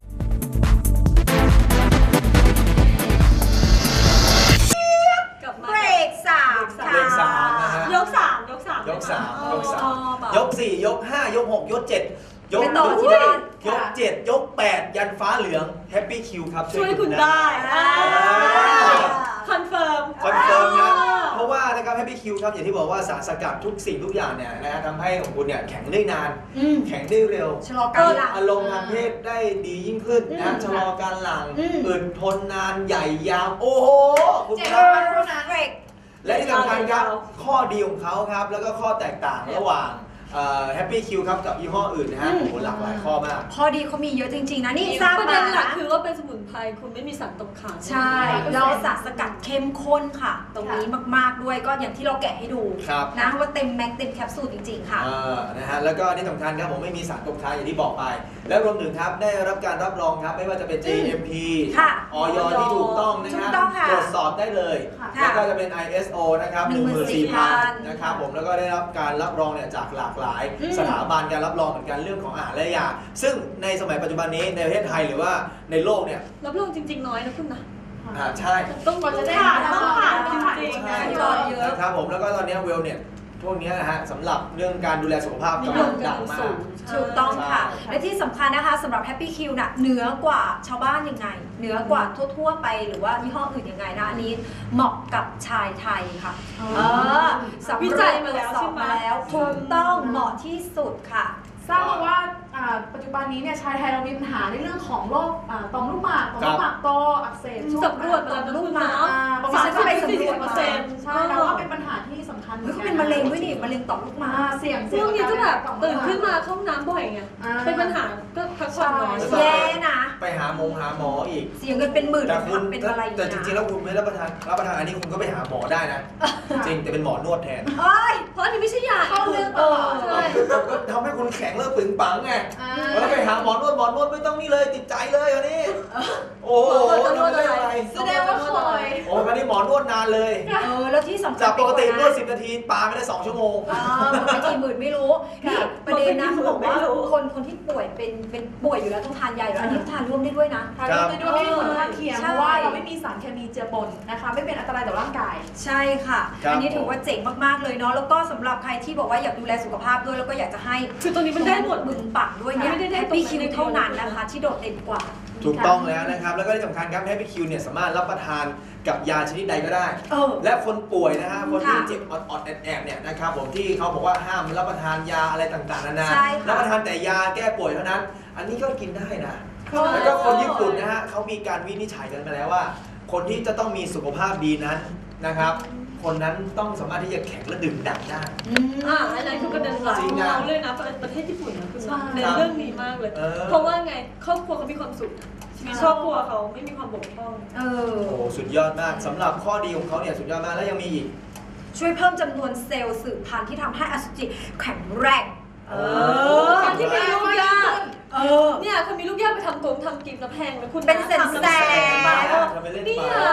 [SPEAKER 3] กลับมา
[SPEAKER 1] เบรกสามค่ะ
[SPEAKER 2] เบรกสามนะฮะ
[SPEAKER 3] ยกสามยกสาม
[SPEAKER 2] ยกสาม
[SPEAKER 3] ได้ไห
[SPEAKER 2] ยกสาม
[SPEAKER 3] อ๋อแบบ
[SPEAKER 2] ยก4ยก5ยก6ยก7ยก
[SPEAKER 1] ไปต่อที่บ้าน
[SPEAKER 2] ยก7ยก8ยันฟ้าเหลือง Happy Q ครับ
[SPEAKER 3] ช่วยคุณ
[SPEAKER 2] นะ
[SPEAKER 3] ได้
[SPEAKER 1] อ่า
[SPEAKER 3] คอนเฟิร์ม
[SPEAKER 2] คอนเฟิร์มนะเพราะว่านะครับ Happy Q ครับอย่างที่บอกว่าสารสกัดทุกสิ่งทุกอย่างเนี่ยนะฮะทำให้ของคุณเนี่ยแข็งได้นาน
[SPEAKER 1] อืม
[SPEAKER 2] แข็งได้เร็ว
[SPEAKER 1] ชะลอการหลัง
[SPEAKER 2] อารมณ์ทางเพศได้ดียิ่งขึ้นนะชะลอการหลัง
[SPEAKER 1] อืม
[SPEAKER 2] อึดทนนานใหญ่ยาว โอ้โห คุณ
[SPEAKER 4] 7
[SPEAKER 2] ครั
[SPEAKER 4] วั
[SPEAKER 2] บ
[SPEAKER 4] นเท่านั้น
[SPEAKER 1] เบรก
[SPEAKER 2] และที่สำคัญครับ ข้อดีของเขาครับ แล้วก็ข้อแตกต่างระหว่างHappy Q ครับกับยี่ห้ออื่นนะฮะ
[SPEAKER 1] อืม
[SPEAKER 2] โอ้โหหลากหลายข้อมาก
[SPEAKER 1] ข้อดีเขามีเยอะจริง ๆ นะนี่ทราบ
[SPEAKER 3] ประเด็
[SPEAKER 1] มาน
[SPEAKER 3] หลัก
[SPEAKER 1] นะ
[SPEAKER 3] คือว่าเป็นสมุนไพรคุณไม่มีสารตกค้าง
[SPEAKER 1] ใช่แล้วสารสกัดเข้มข้นค่ะ ตรงนี้มากๆด้วยก็อย่างที่เราแกะให้ดู
[SPEAKER 2] ครับ
[SPEAKER 1] นะว่าเต็มแม็กเต็มแคปซูลจริง ๆ ค่ะ
[SPEAKER 2] นะฮะแล้วก็ที่สำคัญครับผมไม่มีสารตกค้างอย่างที่บอกไป และรวมถึงครับได้รับการรับรองครับไม่ว่าจะเป็น GMP
[SPEAKER 1] ค่ะ
[SPEAKER 2] ออยที่ถูกต้องนะค
[SPEAKER 1] ถู
[SPEAKER 2] รั
[SPEAKER 1] กต้องค่ะ
[SPEAKER 2] ตรวจสอบได้เลย
[SPEAKER 1] ค่ะ
[SPEAKER 2] แล้วก็จะเป็น ISO นะครับ 14,000 นะครับผมแล้วก็ได้รับการรับรองเนี่ยจากหลากหลาย
[SPEAKER 1] อืม
[SPEAKER 2] สถาบันการรับรองเหมือนกันเรื่องของอาหารและยาซึ่งในสมัยปัจจุบันนี้ในประเทศไทยหรือว่าในโลกเนี่ย
[SPEAKER 3] รับรองจริง ๆ น้อยนะคุณนะ
[SPEAKER 2] ใช่
[SPEAKER 3] ต้อง
[SPEAKER 4] กว่าจะได้
[SPEAKER 3] ผ่าน
[SPEAKER 4] รับ
[SPEAKER 3] ต้อง
[SPEAKER 4] รอง
[SPEAKER 3] ผ่านจ
[SPEAKER 4] ต้องผ่าน
[SPEAKER 3] ริงๆ
[SPEAKER 2] ใช่
[SPEAKER 3] นะ
[SPEAKER 1] ยอดเยอะ
[SPEAKER 2] นะครับผมแล้วก็ตอนนี้เวลเนี่ยพวกนี้นะฮะสำหรับเรื่องการดูแลสุขภาพ
[SPEAKER 3] นิ
[SPEAKER 2] กำ
[SPEAKER 3] ย
[SPEAKER 2] ลั
[SPEAKER 3] ม
[SPEAKER 2] ง
[SPEAKER 3] กั
[SPEAKER 2] ดั
[SPEAKER 3] น
[SPEAKER 2] งมา
[SPEAKER 3] สู
[SPEAKER 2] ก
[SPEAKER 3] ง
[SPEAKER 1] ถูกต้องค่ะ
[SPEAKER 2] ใช่
[SPEAKER 1] และที่สำคัญนะคะสำหรับ Happy Q น่ะเหนือกว่าชาวบ้านยังไง เหนือกว่าทั่วๆไปหรือว่ายี่ห้ออื่นยังไงนะอันนี้เหมาะกับชายไทยค่ะสำ
[SPEAKER 3] วิ
[SPEAKER 1] ร
[SPEAKER 3] จั
[SPEAKER 1] วจ
[SPEAKER 3] ย
[SPEAKER 1] ตร
[SPEAKER 3] มาว
[SPEAKER 1] จ
[SPEAKER 3] แล้ว
[SPEAKER 1] สอ
[SPEAKER 3] ใช่
[SPEAKER 1] บ
[SPEAKER 3] ไหม
[SPEAKER 1] มาแล้วถูกต้องเหมาะที่สุดค่ะ
[SPEAKER 4] ทราบมาว่าปัจจุบันนี้เนี่ยชายไทยเรามีปัญหาในเรื่องของโรคต่อมลูกหมากต่อมลูกหมากโตอักเสบช่วง
[SPEAKER 3] สำรวจมาแล้วนะคุณนะ
[SPEAKER 4] ประมาณ
[SPEAKER 1] ดิฉันก็ไปสำรวจมา
[SPEAKER 4] ใช่แล้วว่าเป็นปัญหาที่สำคัญห
[SPEAKER 1] เฮ้
[SPEAKER 4] มื
[SPEAKER 1] ย
[SPEAKER 4] อน
[SPEAKER 1] เขา
[SPEAKER 4] กั
[SPEAKER 1] เป็นมะเร็งด้วยนี่มะเร็งต่อมลูกหมาก
[SPEAKER 4] เสี่ยง
[SPEAKER 3] ช่วงนี้ก็แบบ
[SPEAKER 4] ต่อมลู
[SPEAKER 3] ตื่น
[SPEAKER 4] หก
[SPEAKER 3] ขึ้นมาเข้าห้องน้ำบ่อยไง เป็นปัญหาก็พักผ่อนน้อย
[SPEAKER 2] ใช่
[SPEAKER 1] แย่นะ
[SPEAKER 2] ไปหาหมออีก
[SPEAKER 1] เสียเงินเป็นหมื่น
[SPEAKER 2] แต่คุณ
[SPEAKER 1] เป็นอะไร
[SPEAKER 2] แต่จริงๆแล้วคุณไม่รับประทานอันนี้คุณก็ไปหาหมอได้นะ จริงแต่เป็นหมอนวดแทน
[SPEAKER 1] เอ้ย
[SPEAKER 3] เพราะอันนี้ไม่ใช่ยา
[SPEAKER 4] เข้าเรื่องตลอด
[SPEAKER 3] ใช่
[SPEAKER 2] ก็ทำให้คุณแข็งเลิกปึงปังไง
[SPEAKER 4] อ่า
[SPEAKER 2] แล้วไปหาหมอนวดไม่ต้องนี่เลยติดใจเลยอันนี้โอ้โหทำได้อะไร
[SPEAKER 4] แสดงว่าเคย
[SPEAKER 2] โอ้อันนี้หมอนวดนานเลย
[SPEAKER 1] แล้วที่สำคัญ
[SPEAKER 2] จากปกตินวด
[SPEAKER 1] สิ
[SPEAKER 2] 10 นาทีปาไม่ได้2 ชั่วโมง
[SPEAKER 1] ไปกี่หมื่นไม่รู้นี่ประเด็นนะเขาบอกว่าคนที่ป่วยเป็นป่วยอยู่แล้วต้องทานยาอยู่แล้วอันนี้ทานร่วมได้ด้วยนะ
[SPEAKER 4] ทานไปด้วยไม่มีผลข้างเคียง
[SPEAKER 1] ใช่
[SPEAKER 4] เพราะว่าเราไม่มีสารเคมีเจือปนนะคะ ไม่เป็นอันตรายต่อร่างกาย
[SPEAKER 1] ใช่ค่ะ
[SPEAKER 2] ครับ
[SPEAKER 1] อันนี้ถือว่าเจ๋งมากๆเลยเนาะแล้วก็สำหรับใครที่บอกว่าอยากดูแลสุขภาพด้วยแล้วก็อยากจะให้
[SPEAKER 3] คือตัวนี้มันได้หมด
[SPEAKER 1] บึงปักด้วยเนี่ย
[SPEAKER 3] ไม่ได้ได้
[SPEAKER 1] Happy
[SPEAKER 3] ตรง
[SPEAKER 1] Q
[SPEAKER 3] นั้น
[SPEAKER 1] เท่านั้นนะคะ ที่โดดเด่นกว่า
[SPEAKER 2] ถูกต้องแล้วนะครับ แล้วก็ที่สำคัญครับ Happy Q เนี่ยสามารถรับประทานกับยาชนิดใดก็ได้
[SPEAKER 1] เออ
[SPEAKER 2] และคนป่วยนะฮะคนที่
[SPEAKER 1] ค่ะ
[SPEAKER 2] เจ็บอดๆแอบๆเนี่ยนะครับผมที่เขาบอกว่าห้ามรับประทานยาอะไรต่างๆนานา
[SPEAKER 1] ใช่ค่ะ
[SPEAKER 2] รับประทานแต่ยาแก้ป่วยเท่านั้น อันนี้ก็กินได้นะ
[SPEAKER 1] ใช่
[SPEAKER 2] แล้วก็คนญี่ปุ่นนะฮะเขามีการวินิจฉัยกันมาแล้วว่า คนที่จะต้องมีสุขภาพดีนั้นนะครับ คนนั้นต้องสามารถที่จะแข็งและดื่มด่ำได้
[SPEAKER 1] อืม
[SPEAKER 3] อันนั้นคือประเด็นหลัก
[SPEAKER 2] จริ
[SPEAKER 3] ข
[SPEAKER 2] ง
[SPEAKER 3] อง
[SPEAKER 2] นะ
[SPEAKER 3] เราเลยนะประเทศญี่ปุ่นนะคุณ
[SPEAKER 4] ใช่
[SPEAKER 3] เน้นเรื่องนี้มากเลย เพราะว่าไงครอบครัวเขามีความสุขชีวิตครอบครัวเขาไม่มีความบกพร่อง
[SPEAKER 1] เออ
[SPEAKER 2] โอ้โหสุดยอดมากสำหรับข้อดีของเขาเนี่ยสุดยอดมากแล้วยังมีอีก
[SPEAKER 1] ช่วยเพิ่มจำนวนเซลล์สืบพันธุ์ที่ทำให้อสุจิแข็งแรง
[SPEAKER 3] การที่มีลูกยาก
[SPEAKER 1] เนี่ย
[SPEAKER 3] คนมีลูกยากไปทำกินแล้วแพงแล้วคุณ
[SPEAKER 1] เป็นแสน
[SPEAKER 3] ทำแล้ว
[SPEAKER 1] ๆ
[SPEAKER 3] ไป
[SPEAKER 2] ทำไปเล่น
[SPEAKER 3] เนี่
[SPEAKER 2] ไป
[SPEAKER 3] ย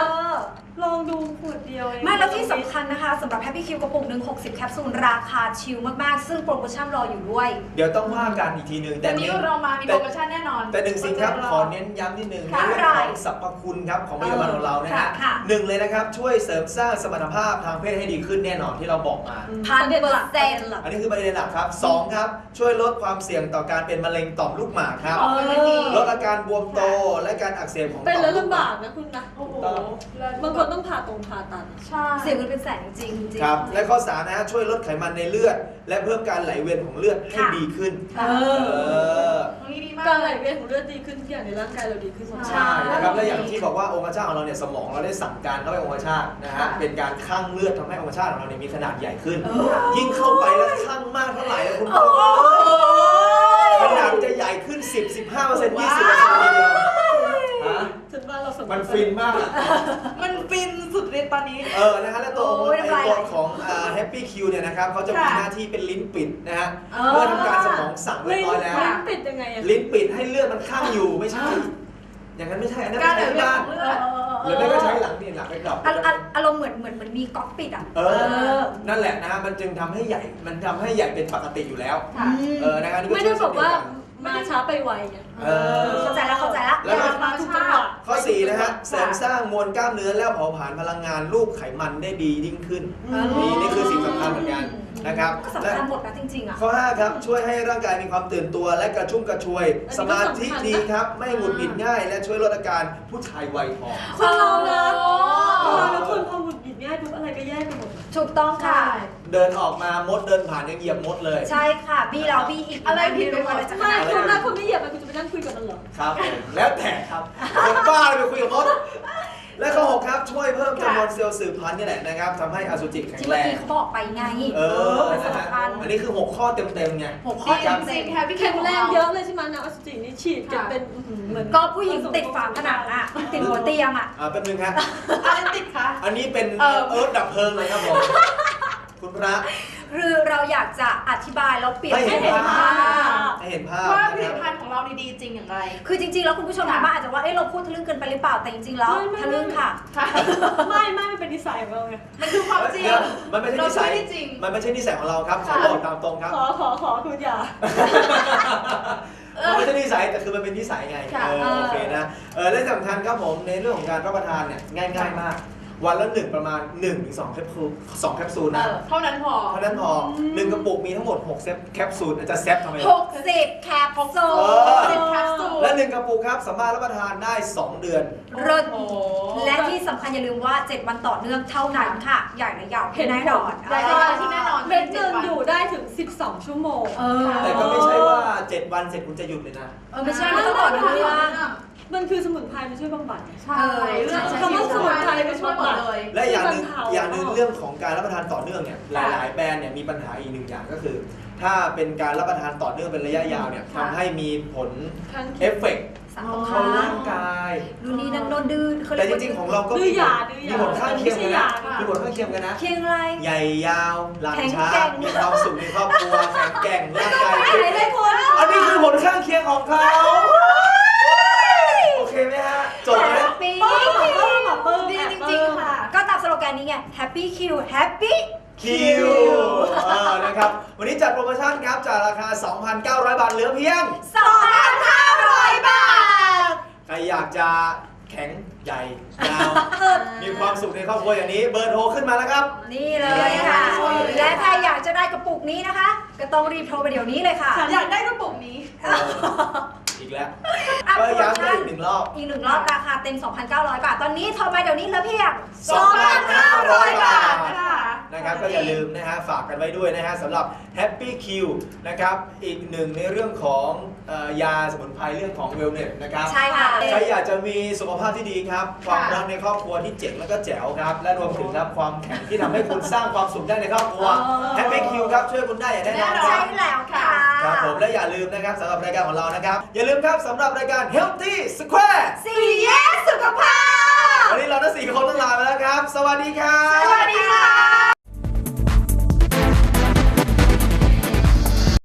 [SPEAKER 3] ลองดูขวดเดียวเอง
[SPEAKER 1] ไม่แล้วที่สำคัญนะคะสำหรับ Happy Q กระปุกหนึ่ง60 แคปซูลราคาชิลมากๆ ซึ่งโปรโมชั่นรออยู่ด้วย
[SPEAKER 2] เดี๋ยวต้องว่ากันอีกทีหนึ่ง
[SPEAKER 4] แต่นี้เรามามีโปรโมชั่นแน่นอน
[SPEAKER 2] แต่หนึ่งสิ่งครับขอเน้นย้ำนิดนึงใน
[SPEAKER 1] ค่ะ
[SPEAKER 2] เรื่องของสรรพคุณครับของผลิตภัณฑ์ของเรานะฮะ
[SPEAKER 1] ค่ะ
[SPEAKER 2] หนึ่งเลยนะครับช่วยเสริมสร้างสมรรถภาพทางเพศให้ดีขึ้นแน่นอนที่เราบอกมา
[SPEAKER 1] 1,000%
[SPEAKER 2] อันนี้คือประเด็นหลักครับ2ครับช่วยลดความเสี่ยงต่อการเป็นมะเร็งต่อมลูกหมากครับ ลดอาการบวมโตและการอักเสบของ
[SPEAKER 3] เป็น
[SPEAKER 2] ต่อ
[SPEAKER 3] แล้ว
[SPEAKER 2] มลูกห
[SPEAKER 3] ลำ
[SPEAKER 2] มา
[SPEAKER 3] บาก กนะคุณนะ
[SPEAKER 4] โอ้โห
[SPEAKER 3] บางคนต้องผ่าตัด
[SPEAKER 4] ใช่
[SPEAKER 1] เสียเงินเป็นแสนจริงๆ
[SPEAKER 2] ครับและข้อ3นะฮะช่วยลดไขมันในเลือด และเพิ่มการไหลเวียนของเลือดให้ดีขึ้น
[SPEAKER 3] เออ
[SPEAKER 4] ตรงนี้ดีมาก
[SPEAKER 3] การไหลเวียนของเลือดดีขึ้นทุกอย่างในร่างกายเราดีขึ้นหมด
[SPEAKER 2] ใช่นะครับและอย่างที่บอกว่าองคชาตของเราเนี่ยสมองเราได้สั่งการเข้าไปองคชาตนะฮะเป็นการคั่งเลือดทำให้องคชาตของเราเนี่ยมีขนาดใหญ่ขึ้น ยิ่งเข้าไปแล้วคั่งมากเท่าไหร่แล้วคุณผู้ชมขนาดจะใหญ่ขึ้น 10-15% 20%ทีเดียวฮะ
[SPEAKER 3] ฉันว่าเราส
[SPEAKER 2] มันฟินมากอะ
[SPEAKER 4] มันฟินสุดฤทธิ์ตอนนี้
[SPEAKER 2] นะฮะและตัวของ
[SPEAKER 1] โอ้ยน้ำลายไหล
[SPEAKER 2] ตัวของHappy Q เนี่ยนะครับเขาจะมี
[SPEAKER 4] ค่ะ
[SPEAKER 2] หน้าที่เป็นลิ้นปิดนะฮะเมื่อทำการสมองสั่งเรียบร้อยแล้ว
[SPEAKER 3] ลิ้นปิดยังไงอะ
[SPEAKER 2] ลิ้นปิดให้เลือดมันข้างอยู่ไม่ใช่ อย่างนั้นไม่ใช่อันนั้น
[SPEAKER 4] การ
[SPEAKER 2] ไม่
[SPEAKER 4] ไหล
[SPEAKER 2] ใช่
[SPEAKER 4] เวียน
[SPEAKER 2] บ้าน
[SPEAKER 4] ของเลือด
[SPEAKER 2] หรือไม่ก็ใช้หลังนี่หลังไปกลับ
[SPEAKER 1] อารมณ์เหมือนมีก๊อกปิดอ่ะ
[SPEAKER 2] นั่นแหละนะฮะมันจึงทำให้ใหญ่มันทำให้ใหญ่เป็นปกติอยู่แล้ว
[SPEAKER 4] ค่ะ
[SPEAKER 2] นะครับนี่ก็
[SPEAKER 3] ไม่ได้
[SPEAKER 2] ช่วย
[SPEAKER 3] บอกว่า
[SPEAKER 2] เช่นเดียวกัน
[SPEAKER 3] มาช้าไปไวไง
[SPEAKER 1] เข้าใจแล้ว
[SPEAKER 2] แล้วก็
[SPEAKER 3] มาถูกจังหวะ
[SPEAKER 2] ข้อ4นะฮะเสริมสร้างมวลกล้ามเนื้อและเผาผลาญพลังงานรูปไขมันได้ดียิ่งขึ้นนี่คือสิ่งสำคัญเหมือนกันนะครับ
[SPEAKER 1] ก็สำคัญหมดนะจริงๆอ่ะ
[SPEAKER 2] ข้อ5ครับช่วยให้ร่างกายมีความตื่นตัวและกระชุ่มกระชวย สมาธิดีครับไม่หงุดหงิดง่าย และช่วยลดอาการผู้ชายวัยทอง
[SPEAKER 3] คนเรานะคนพอหงุดหงิดง่ายปุ๊บอะไรก็แย่ไปหมด
[SPEAKER 1] ถูกต้องค่ะ
[SPEAKER 2] เดินออกมามดเดินผ่านยังเหยียบมดเลย
[SPEAKER 1] ใช่ค่ะบี้เราบี้อีก
[SPEAKER 4] อะไรผิดไปหมด
[SPEAKER 1] อะไรจะข
[SPEAKER 3] ไม่
[SPEAKER 1] นาด
[SPEAKER 3] คุณ
[SPEAKER 1] นั้น
[SPEAKER 3] นะคุณไม่เหยียบมันคุณจะไปนั่งคุยกับมันเหรอ
[SPEAKER 2] ครับผมแล้วแต่ครับคนบ้าเลยไปคุยกับมด และข้อ6ครับช่วยเพิ่มจำนวนเซลล์สืบพันธุ์นี่แหละนะครับทำให้อสุจิแข็ง
[SPEAKER 1] ที่
[SPEAKER 2] แร
[SPEAKER 1] เมื่อง กี้เขาบอกไปไง
[SPEAKER 2] นะฮะ
[SPEAKER 1] สำคัญ
[SPEAKER 2] อันนี้คือ6ข้อเต็มๆไง
[SPEAKER 1] 6 ข้อ
[SPEAKER 2] ครับ
[SPEAKER 1] จริง
[SPEAKER 4] แฮปปี้
[SPEAKER 3] แข็งแรงเยอะเลยใช่ไหมนะอสุจินี่ฉีดกันเป็นเหมือน
[SPEAKER 1] ก็ผู้หญิงติดฝาผนังอ่ะ ติดหัวเตียงอ่ะ
[SPEAKER 2] แป๊บนึงครับ
[SPEAKER 4] อะไรติดคะ
[SPEAKER 2] อันนี้เป็น
[SPEAKER 4] เออ
[SPEAKER 2] เอิร์ธดับเพลิงเลยครับผม คุณพระ
[SPEAKER 1] คือเราอยากจะอธิบายแล้วเปรียบ
[SPEAKER 2] ให้เห็น
[SPEAKER 1] ให้เห็น
[SPEAKER 2] ภา
[SPEAKER 1] ภา
[SPEAKER 2] พ
[SPEAKER 1] พ
[SPEAKER 2] ให้เห็นภาพ
[SPEAKER 4] ว่าผ
[SPEAKER 2] นะ
[SPEAKER 4] ลิ
[SPEAKER 2] ค
[SPEAKER 4] ต
[SPEAKER 2] รับ
[SPEAKER 4] ภัณฑ์ของเราดีจริงอย่างไร
[SPEAKER 1] คือจริงๆ แล้วคุณผู้ชมทางบ้านอาจจะว่า เอ้ยเราพูดทะลึ่งเกินไปหรือเปล่า แต่จริงๆ แล้วทะลึ่งค่ะ
[SPEAKER 4] ค่ะ
[SPEAKER 3] ไม่มันเป็นนิสัยของเราไง
[SPEAKER 4] มันคือความจริง
[SPEAKER 2] เดี๋ยวมันไม่ใช่นิสัย
[SPEAKER 4] เราช่วยได้จริง
[SPEAKER 2] มันไม่ใช่นิสัยของเราครับขอ
[SPEAKER 4] ค่ะ
[SPEAKER 2] บอกตามตรงครับ
[SPEAKER 3] ขอคุณอย่า
[SPEAKER 2] มันไม่ใช่นิสัยแต่คือมันเป็นนิสัยไง
[SPEAKER 4] ค่ะ
[SPEAKER 2] โอเคนะและสำคัญครับผมในเรื่องของการรับประทานเนี่ยง่ายๆมาก วันละ1ประมาณ 1-2 แคปซูลนะ
[SPEAKER 4] เท่านั้นพอ
[SPEAKER 2] เท่านั้นพอ1กระปุกมีทั้งหมด6แคปซูลจะแซฟทำไม
[SPEAKER 1] 60 แคปซู
[SPEAKER 2] เอ
[SPEAKER 1] ล
[SPEAKER 4] 10 แคปซูล
[SPEAKER 2] และ1กระปุกครับสามารถรับประทานได้2 เดือน
[SPEAKER 1] เลิศ
[SPEAKER 4] โอ้โห
[SPEAKER 1] และที่สำคัญอย่าลืมว่า 7 วันต่อเนื่องเท่านั้นค่ะ ใหญ่และยาวแน่นอน
[SPEAKER 4] ใหญ่และยาวที่แน่นอน
[SPEAKER 3] เม็ดเงินอยู่ได้ถึง 12 ชั่วโมง
[SPEAKER 2] แต่ก็ไม่ใช่ว่า7 วันเสร็จคุณจะหยุดเลยนะ
[SPEAKER 1] ไม่ใช่ไม่ต้องต่อเนื่อง
[SPEAKER 3] มันคือสมุนไพรมันช่วยบำบัด
[SPEAKER 4] ใช่เรื่อง
[SPEAKER 3] คำว่าสมุนไพรไม่ช่วยหมด
[SPEAKER 4] เลย
[SPEAKER 2] และอย่างหนึ่ง
[SPEAKER 3] ที่บรรเทา
[SPEAKER 2] อย่างหนึ่งเรื่องของการรับประทานต่อเนื่องเนี่ยหลายๆแบรนด์เนี่ยมีปัญหาอีกหนึ่งอย่างก็คือ ถ้าเป็นการรับประทานต่อเนื่องเป็นระยะยาวเนี่ยทำให้มีผล
[SPEAKER 3] ข้าง
[SPEAKER 2] เอ
[SPEAKER 3] เคียง
[SPEAKER 2] ฟเฟกต์
[SPEAKER 1] สาม
[SPEAKER 2] เข้าร่างกาย
[SPEAKER 1] ดูนี่นั่นโดนดื้อเขา
[SPEAKER 2] แต่
[SPEAKER 1] เรียก
[SPEAKER 2] จ
[SPEAKER 1] ว่า
[SPEAKER 2] ริงๆของเราก็
[SPEAKER 3] ดื้อยา
[SPEAKER 2] มีผลข้างเคียงกันนะ
[SPEAKER 3] ไม่ใช่ยา
[SPEAKER 2] มีผลข้างเคียงกันนะ
[SPEAKER 1] เคียงอะไร
[SPEAKER 2] ใหญ่ยาวหลังช้า
[SPEAKER 1] แข็งแกร่ง
[SPEAKER 2] มีความสุขในครอบครัวแข็งแกร่งร่างกาย
[SPEAKER 1] ไหนเลยคุณ
[SPEAKER 2] อันนี้คือผลข้างเคียงของเขาโอเคไหมฮะจบไหม
[SPEAKER 1] ปี
[SPEAKER 3] หมอปื้ม
[SPEAKER 4] ดีจริงๆค่ะ
[SPEAKER 1] ก็ตามสโลแกนนี้ไง Happy Q Happy
[SPEAKER 2] คิวนะครับวันนี้จัดโปรโมชั่นครับจากราคา 2,900 บาทเหลือเพียง
[SPEAKER 1] 2,500 บาท
[SPEAKER 2] ใครอยากจะแข็งใหญ่ยาว มีความสุขในครอบครัวอย่างนี้เบอร์โทรขึ้นมาแล้วครับ
[SPEAKER 1] นี่เลยค่ะ และถ้าอยากจะได้กระปุกนี้นะคะ ก็ต้องรีบโทรไปเดี๋ยวนี้เลยค่ะ
[SPEAKER 4] อยากได้กระปุกนี้
[SPEAKER 2] อีกแล้ว
[SPEAKER 1] อ่ะ
[SPEAKER 2] ก็ย้ำอีกหนึ่งรอบ
[SPEAKER 1] อีก 1 รอบราคาเต็ม 2,900 บาท ตอนนี้โทรไปเดี๋ยวนี้เหลือเพียง
[SPEAKER 2] 2,500 บาท
[SPEAKER 4] ค่ะ
[SPEAKER 2] นะครับก็อย่าลืมนะฮะฝากกันไว้ด้วยนะฮะสำหรับ Happy Q นะครับอีกหนึ่งในเรื่องของยาสมุนไพรเรื่องของ Wellness นะครับ
[SPEAKER 1] ใช่ค่ะ
[SPEAKER 2] ใครอยากจะมีสุขภาพที่ดีครับ ความรักในครอบครัวที่เจ๋งแล้วก็แจ๋วครับ และรวมถึงครับความแข็งที่ทำให้คุณสร้างความสุขได้ในครอบครัว Happy Q ครับช่วยคุณได้อย่างแน่นอนค
[SPEAKER 1] ใช่
[SPEAKER 2] รับ
[SPEAKER 1] แล้วค่ะ
[SPEAKER 2] ครับผมและอย่าลืมนะครับสำหรับรายการของเรานะครับ อย่าลืมครับสำหรับรายการ Healthy Square
[SPEAKER 1] สี่แยกสุขภาพ
[SPEAKER 2] วันนี้เราทั้ง4 คนต้องลาไปแล้วครับ สวัสดีครับ
[SPEAKER 1] สวัสดีค่ะ